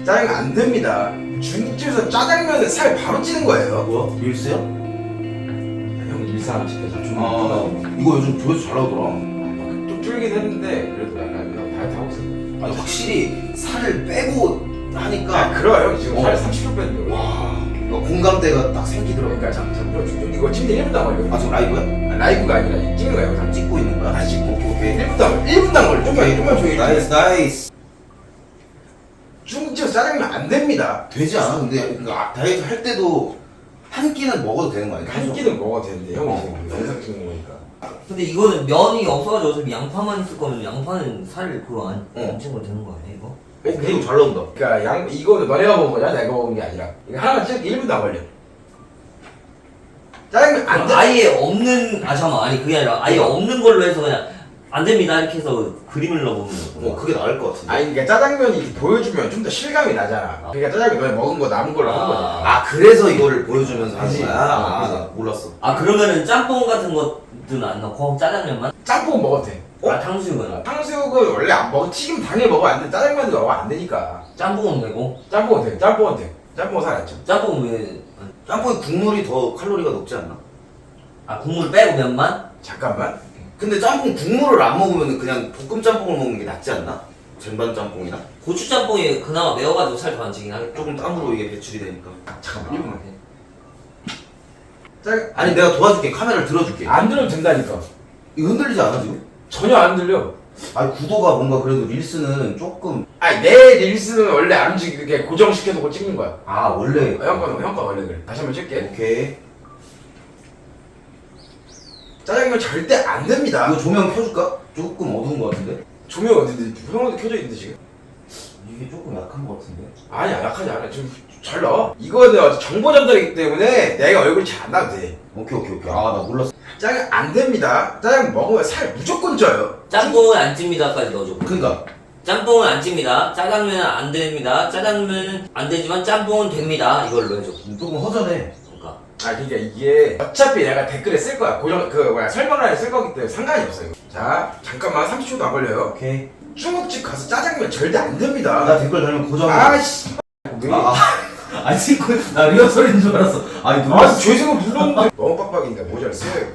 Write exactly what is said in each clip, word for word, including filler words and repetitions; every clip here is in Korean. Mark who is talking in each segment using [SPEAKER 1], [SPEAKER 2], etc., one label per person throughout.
[SPEAKER 1] 짜장면 안 됩니다. 중국집에서 짜장면에 살 바로 찌는 거예요.
[SPEAKER 2] 뭐야? 릴스야?
[SPEAKER 1] 형 일상 시켜서 좀
[SPEAKER 2] 아 이거 요즘 조회수 잘 나오더라.
[SPEAKER 1] 좀 줄긴 했는데 그래도 약간 형 다이어트 하고 있어.
[SPEAKER 2] 아니 확실히 살을 빼고 하니까
[SPEAKER 1] 아 그래요 형 지금
[SPEAKER 2] 어.
[SPEAKER 1] 살 삼십 킬로그램 뺐는데.
[SPEAKER 2] 와 이거 공감대가 딱 생기더라고.
[SPEAKER 1] 그러니까 잠깐 좀 이거 지금 일 분도 안 걸려.
[SPEAKER 2] 아 지금 라이브야?
[SPEAKER 1] 아, 라이브가 아니라 찍는 거야 영상.
[SPEAKER 2] 찍고 있는 거야?
[SPEAKER 1] 아 찍고
[SPEAKER 2] 오케이 오케이.
[SPEAKER 1] 일 분도 안 일 분도 안 걸려. 좀만 좀만 조용히.
[SPEAKER 2] 나이스 나이스.
[SPEAKER 1] 중국집에서 짜장면 안 됩니다.
[SPEAKER 2] 되지 않아? 근데 그러니까 다이어트 할 때도 한 끼는 먹어도 되는 거 아니야?
[SPEAKER 1] 한 끼는 먹어도 되는데 형이
[SPEAKER 2] 어.
[SPEAKER 1] 지금 영상 찍는 거니까.
[SPEAKER 3] 근데 이거는 면이 없어가지고 어차피 양파만 있을 거면 양파는 살을 그거 안,
[SPEAKER 2] 어.
[SPEAKER 3] 안 찍으면 되는 거 아니야 이거?
[SPEAKER 2] 어 그리고 잘 나온다.
[SPEAKER 1] 그러니까 양 이거는 너네가 먹은 거냐 내가 먹은 게 아니라 이거 하나만 찍기 일 분도 안 걸려. 짜장면 안 돼.
[SPEAKER 3] 아예 없는 아 잠깐만 아니 그게 아니라 아예 없는 걸로 해서 그냥 안 됩니다 이렇게 해서 그림을 넣어보면
[SPEAKER 2] 어 그게 나을 것 같은데.
[SPEAKER 1] 아니 그러니까 짜장면이 이렇게 보여주면 좀 더 실감이 나잖아. 그러니까 짜장면 너네 먹은 거 남은 걸로 하는 거잖아.
[SPEAKER 2] 아 그래서 이거를 보여주면서 하는
[SPEAKER 1] 그치.
[SPEAKER 2] 거야?
[SPEAKER 1] 어,
[SPEAKER 2] 아,
[SPEAKER 1] 그래서.
[SPEAKER 2] 나 몰랐어.
[SPEAKER 3] 아 그러면은 짬뽕 같은 것들은 안 넣고 짜장면만?
[SPEAKER 1] 짬뽕 먹어도 돼.
[SPEAKER 3] 아 탕수육은?
[SPEAKER 1] 탕수육은 원래 안 먹어. 튀김 당연히 먹으면 안 돼. 짜장면도 먹으면 안 되니까.
[SPEAKER 3] 짬뽕은 되고?
[SPEAKER 1] 짬뽕은 돼. 짬뽕은 돼. 짬뽕은 살았죠.
[SPEAKER 3] 짬뽕은 왜?
[SPEAKER 2] 짬뽕에 국물이 더 칼로리가 높지 않나?
[SPEAKER 3] 아 국물 빼고 면만?
[SPEAKER 1] 잠깐만.
[SPEAKER 2] 근데 짬뽕 국물을 안 먹으면 그냥 볶음 짬뽕을 먹는 게 낫지 않나? 쟁반 짬뽕이나?
[SPEAKER 3] 고추 짬뽕이 그나마 매워가지고 살 더 안 찌긴 하겠다.
[SPEAKER 2] 조금 땀으로 이게 배출이 되니까.
[SPEAKER 1] 잠깐만. 일 분만.
[SPEAKER 3] 아,
[SPEAKER 1] 짜
[SPEAKER 2] 아니 내가 도와줄게. 카메라를 들어줄게.
[SPEAKER 1] 안 들어도 된다니까.
[SPEAKER 2] 이거 흔들리지 않아 지금?
[SPEAKER 1] 전혀 안 들려.
[SPEAKER 2] 아니 구도가 뭔가 그래도 릴스는 조금.
[SPEAKER 1] 아니 내 릴스는 원래 안 움직이게 고정시켜놓고 찍는 거야.
[SPEAKER 2] 아 원래.
[SPEAKER 1] 어, 형거 형거 원래 그래. 다시 한번 찍게.
[SPEAKER 2] 오케이.
[SPEAKER 1] 짜장면 절대 안 됩니다.
[SPEAKER 2] 이거 조명 켜줄까? 조금 어두운 것 같은데?
[SPEAKER 1] 조명 어딘데? 형도 켜져 있는데 지금?
[SPEAKER 2] 이게 조금 약한 것 같은데?
[SPEAKER 1] 아니야 약하지 않아. 지금 잘 나와. 이거는 정보 전달이기 때문에 내가 얼굴이 잘 안 나도 돼.
[SPEAKER 2] 오케이 오케이 오케이. 아 나 몰랐어.
[SPEAKER 1] 짜장 안 됩니다. 짜장 먹으면 살 무조건 쪄요.
[SPEAKER 3] 짬뽕은 안 찝니다까지 넣어줘.
[SPEAKER 2] 그니까
[SPEAKER 3] 짬뽕은 안 찝니다. 짜장면은 안 됩니다. 짜장면은 안 되지만 짬뽕은 됩니다. 이걸로 해줘.
[SPEAKER 2] 조금 허전해.
[SPEAKER 3] 그러니까.
[SPEAKER 1] 아 그러니까 이게 어차피 내가 댓글에 쓸 거야. 고정 그 뭐야 설명란에 쓸 거기 때문에 상관이 없어요. 자 잠깐만 삼십 초도 안 걸려요.
[SPEAKER 2] 오케이.
[SPEAKER 1] 중국집 가서 짜장면 절대 안 됩니다.
[SPEAKER 2] 나 댓글 달면 고정.
[SPEAKER 1] 아씨. 왜?
[SPEAKER 2] 아, 아. 아니 지금 나 리허설인 줄 알았어. 아니
[SPEAKER 1] 아 죄송을 눌렀는데 너무 빡빡이니까 모자를 써요 이거.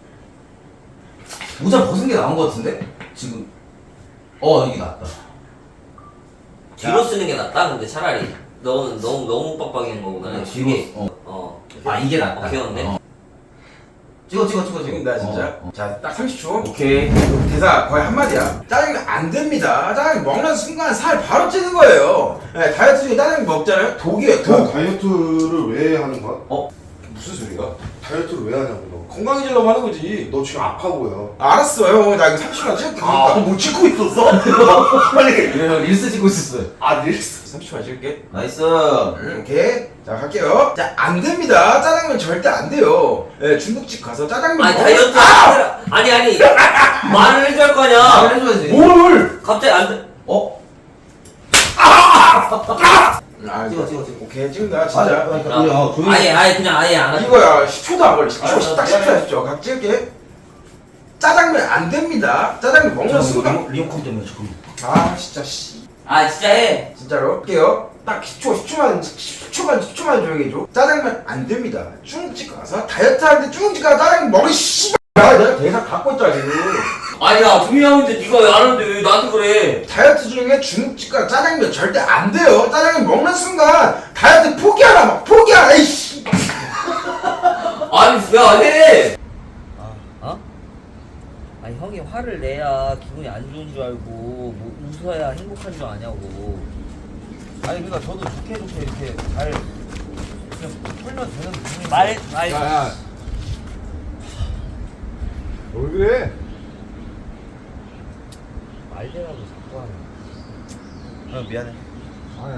[SPEAKER 2] 모자 벗은 게 나은 것 같은데? 지금. 어 이게 낫다.
[SPEAKER 3] 뒤로 쓰는 게 낫다. 근데 차라리 너는 너무 너무 빡빡이는 거보다는
[SPEAKER 2] 뒤로.
[SPEAKER 3] 이게
[SPEAKER 2] 어.
[SPEAKER 3] 어.
[SPEAKER 2] 아 이게 낫다.
[SPEAKER 3] 어, 귀여운데?
[SPEAKER 2] 어. 찍어 찍어 찍어 찍어.
[SPEAKER 1] 찍는다 진짜.
[SPEAKER 2] 어, 어.
[SPEAKER 1] 자 딱 삼십 초.
[SPEAKER 2] 오케이.
[SPEAKER 1] 대사 거의 한마디야. 짜장면 안 됩니다. 짜장면 먹는 순간 살 바로 찌는 거예요. 네, 다이어트 중에 짜장면 먹잖아요. 독이에요,
[SPEAKER 4] 야,
[SPEAKER 1] 독.
[SPEAKER 4] 다이어트를 왜 하는 거야?
[SPEAKER 1] 무슨 소리가?
[SPEAKER 4] 다이어트를 왜 하냐고 너.
[SPEAKER 1] 건강해지려고 하는 거지.
[SPEAKER 4] 너 지금 아파 보여.
[SPEAKER 1] 알았어, 형. 나 이거 삼십 초간 찍을게.
[SPEAKER 2] 아,
[SPEAKER 1] 그러니까.
[SPEAKER 2] 뭐 찍고 있었어? 빨리. 형 릴스 찍고 있었어요.
[SPEAKER 4] 아 릴스.
[SPEAKER 1] 삼십 초만 찍을게.
[SPEAKER 2] 나이스.
[SPEAKER 1] 음, 오케이. 자, 갈게요. 자, 안 됩니다. 짜장면 절대 안 돼요. 예, 중국집 가서 짜장면
[SPEAKER 3] 아니
[SPEAKER 1] 먹-
[SPEAKER 3] 다이어트
[SPEAKER 1] 아!
[SPEAKER 3] 아니 아니 말을 해줄 거
[SPEAKER 2] 말
[SPEAKER 3] 아니야.
[SPEAKER 2] 해줘야지.
[SPEAKER 1] 뭘!
[SPEAKER 3] 갑자기 안 돼.
[SPEAKER 2] 어?
[SPEAKER 1] 아,
[SPEAKER 2] 찍어 찍어 찍어.
[SPEAKER 1] 오케이, 찍는다, 진짜.
[SPEAKER 2] 아니, 아니, 아니, 아, 조용히.
[SPEAKER 3] 아예 아예 그냥 아예 안 하지.
[SPEAKER 1] 이거야, 십 초도 안 걸려. 십 초,
[SPEAKER 2] 알았어,
[SPEAKER 1] 딱 십 초,
[SPEAKER 2] 미안해.
[SPEAKER 1] 십 초. 각 찍을게. 짜장면 안 됩니다. 짜장면 먹는 순간.
[SPEAKER 2] 리모, 리모컨 때문에 잠깐만.
[SPEAKER 1] 아, 진짜, 씨.
[SPEAKER 3] 아 진짜 해.
[SPEAKER 1] 진짜로 할게요. 딱 십 초, 십 초만, 십 초만, 십 초만 조용히 해줘. 짜장면 안 됩니다. 중국집 가서 다이어트 하는데 중국집 가서 짜장면 먹이 씨발. 야, 내가 대사 갖고 있잖아 지금.
[SPEAKER 3] 아니야 분명한데 네가 왜 안 하는데 왜 나한테 그래?
[SPEAKER 1] 다이어트 중에 중국집 가서 짜장면 절대 안 돼요. 짜장면 먹는 순간 다이어트 포기하라 막 포기하라 이씨.
[SPEAKER 3] 아니 왜 안 해? 아 어? 아니 형이 화를 내야 기분이 안 좋은 줄 알고 뭐 웃어야 행복한 줄 아냐고.
[SPEAKER 5] 아니 그러니까 저도 좋게 좋게 이렇게 잘 그냥 풀면 되는 부분이
[SPEAKER 3] 말 말.
[SPEAKER 4] 야야. 왜 그래?
[SPEAKER 5] 말대라도 자꾸 하네. 어 미안해.
[SPEAKER 4] 아니.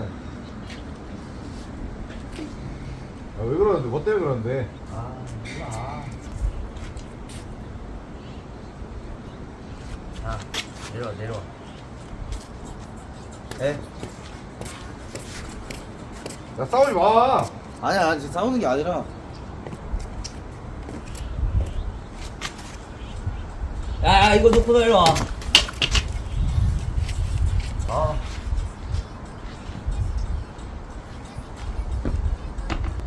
[SPEAKER 4] 야왜 그러는데? 뭐 때문에 그러는데?
[SPEAKER 5] 아 몰라. 자 내려와 내려와. 에?
[SPEAKER 4] 야 싸우지 마.
[SPEAKER 5] 아니야 지금 싸우는 게 아니라.
[SPEAKER 3] 야, 야 이거 놓고 내려와.
[SPEAKER 5] 아.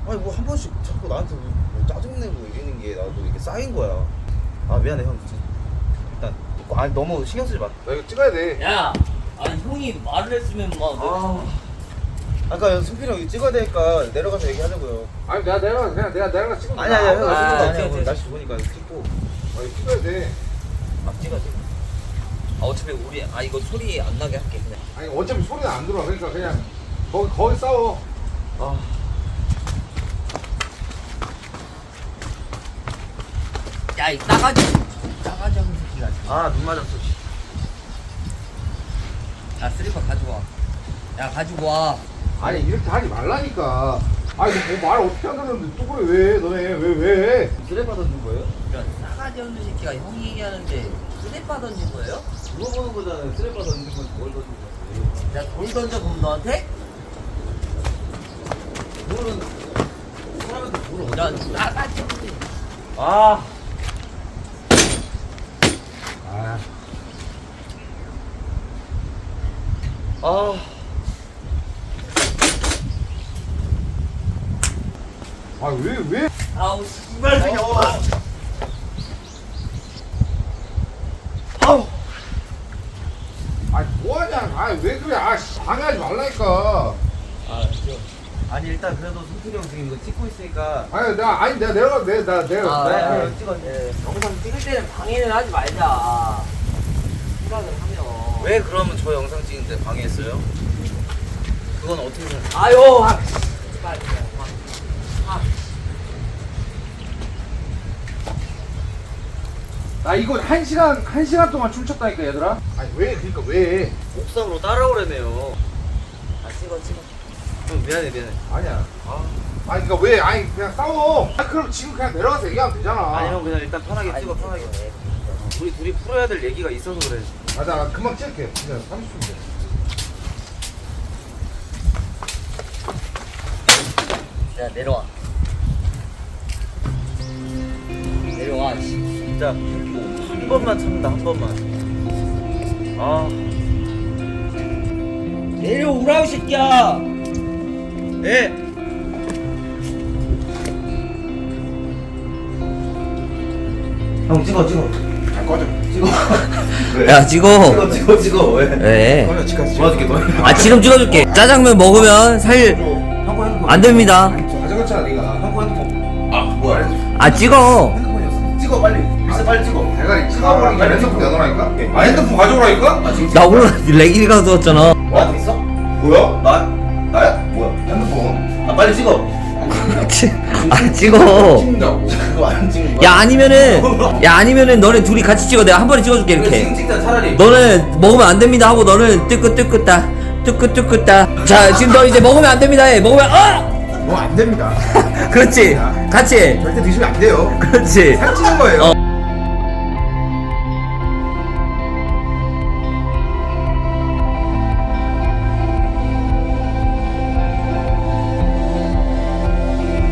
[SPEAKER 5] 아니 뭐 한 번씩 자꾸 나한테 뭐 짜증내고 이러는 게 나도 이렇게 쌓인 거야. 아 미안해 형 진짜. 일단 아니 너무 신경 쓰지 마.
[SPEAKER 4] 나 이거 찍어야 돼.
[SPEAKER 3] 야, 아니 형이 말을 했으면 막.
[SPEAKER 5] 아 아까 승필이 형 찍어야 되니까 내려가서 얘기하자고요.
[SPEAKER 4] 아니 내가 내가 그냥 내가 내가 찍어.
[SPEAKER 5] 아니 아니 형
[SPEAKER 3] 아,
[SPEAKER 5] 찍어
[SPEAKER 3] 찍어,
[SPEAKER 5] 아니야.
[SPEAKER 3] 찍어,
[SPEAKER 5] 오늘 날씨 좋으니까 찍고.
[SPEAKER 4] 아 이거 찍어야 돼.
[SPEAKER 3] 아 찍어 찍어. 아 어차피 우리 아 이거 소리 안 나게 할게 그냥.
[SPEAKER 4] 아니 어차피 소리는 안 들어. 그러니까 그냥 거기 거기 싸워.
[SPEAKER 5] 아.
[SPEAKER 3] 야이 싸가지 싸가지 하는 새끼가.
[SPEAKER 5] 아 눈 맞았어. 씨.
[SPEAKER 3] 야 슬리퍼 가지고 와. 야 가지고 와.
[SPEAKER 4] 아니 이렇게 하지 말라니까. 아니 뭐말 어떻게 안 들었는데 또 그래 왜 너네 왜 왜?
[SPEAKER 5] 쓰레빠 던진 거예요?
[SPEAKER 3] 이런 싸가지 없는 새끼가 형이 얘기하는데 쓰레빠 던진 거예요?
[SPEAKER 5] 그거 보는 거잖아요. 쓰레빠 던진 건지 뭘 던진 건지.
[SPEAKER 3] 야 돌 던져 그럼 너한테?
[SPEAKER 5] 그거는 사람한테 물어.
[SPEAKER 3] 야 싸가지 없는.
[SPEAKER 5] 아.
[SPEAKER 4] 아
[SPEAKER 5] 아.
[SPEAKER 4] 아 왜 왜?
[SPEAKER 3] 아우 씨발 새끼.
[SPEAKER 5] 아우.
[SPEAKER 4] 아니 뭐하냐? 아니 왜 그래? 아 씨, 방해하지 말라니까.
[SPEAKER 3] 아 저.
[SPEAKER 5] 아니 일단 그래도 승필이 형 지금 이거 찍고 있으니까.
[SPEAKER 4] 아니 내가 아니 내가 내가 내가 내가
[SPEAKER 3] 아,
[SPEAKER 4] 내가
[SPEAKER 3] 네,
[SPEAKER 5] 네, 찍어. 네.
[SPEAKER 3] 영상 찍을 때는 방해는 하지 말자. 생각을 하면.
[SPEAKER 5] 왜 그러면 저 영상 찍는데 방해했어요? 그건 어떻게 생각해?
[SPEAKER 3] 아유, 아, 씨발 그냥. 아, 아.
[SPEAKER 4] 나 이거 한 시간 한 시간 동안 춤췄다니까 얘들아. 아니 왜 그러니까 왜?
[SPEAKER 5] 옥상으로 따라오래매요.
[SPEAKER 3] 아 찍어 찍어.
[SPEAKER 5] 형 미안해 미안해.
[SPEAKER 4] 아니야. 아 아니 그러니까 왜? 아니 그냥 싸워. 아 그럼 지금 그냥 내려가서 얘기하면 되잖아.
[SPEAKER 5] 아니 형 그냥 일단 편하게 찍어 편하게. 우리 둘이 풀어야 될 얘기가 있어서 그래.
[SPEAKER 4] 맞아 나 금방 찍을게. 그냥 삼십 분 돼.
[SPEAKER 3] 야 내려와. 내려와. 씨.
[SPEAKER 5] 진짜 한 번만 참는다 한 번만. 아.
[SPEAKER 3] 내려오라고 새끼야.
[SPEAKER 5] 예. 형 찍어 찍어.
[SPEAKER 1] 아 꺼져.
[SPEAKER 5] 찍어.
[SPEAKER 3] 야 찍어.
[SPEAKER 5] 찍어 찍어 찍어 왜?
[SPEAKER 3] 왜?
[SPEAKER 1] 꺼져 집까지.
[SPEAKER 5] 도와줄게 너.
[SPEAKER 3] 아 지금 찍어줄게. 짜장면 먹으면 살
[SPEAKER 5] 형거 핸드폰.
[SPEAKER 3] 안 됩니다.
[SPEAKER 1] 가져갔잖아 네가.
[SPEAKER 5] 형거 핸드폰. 아 뭐야?
[SPEAKER 3] 아 찍어.
[SPEAKER 5] 핸드폰이었어. 찍어 빨리. 일사 빨리 찍어.
[SPEAKER 1] 대가리 찍어버리니까 핸드폰 내놓으라니까. 아 핸드폰 가져오라니까?
[SPEAKER 5] 아 지금
[SPEAKER 3] 나 오늘 레기리 가져왔잖아.
[SPEAKER 5] 나한테 있어?
[SPEAKER 1] 뭐야?
[SPEAKER 5] 나 나야? 뭐야?
[SPEAKER 1] 핸드폰.
[SPEAKER 5] 아 빨리 찍어.
[SPEAKER 3] 아 찍어.
[SPEAKER 1] 찍는다고.
[SPEAKER 5] 그거 안 찍는 거야?
[SPEAKER 3] 야 아니면은 야 아니면은 너네 둘이 같이 찍어. 내가 한 번에 찍어줄게
[SPEAKER 5] 그래,
[SPEAKER 3] 이렇게.
[SPEAKER 5] 지금 찍자 차라리.
[SPEAKER 3] 너는 먹으면 안 됩니다 하고 너는 뜨끄뜨끄따 뜨끄뜨끄따. 자 지금 너 이제 먹으면 안 됩니다 해. 먹으면 어
[SPEAKER 1] 뭐 안 됩니다.
[SPEAKER 3] 그렇지 같이 해.
[SPEAKER 1] 절대 드시면 안 돼요.
[SPEAKER 3] 그렇지
[SPEAKER 1] 살찌는 거예요.
[SPEAKER 3] 어.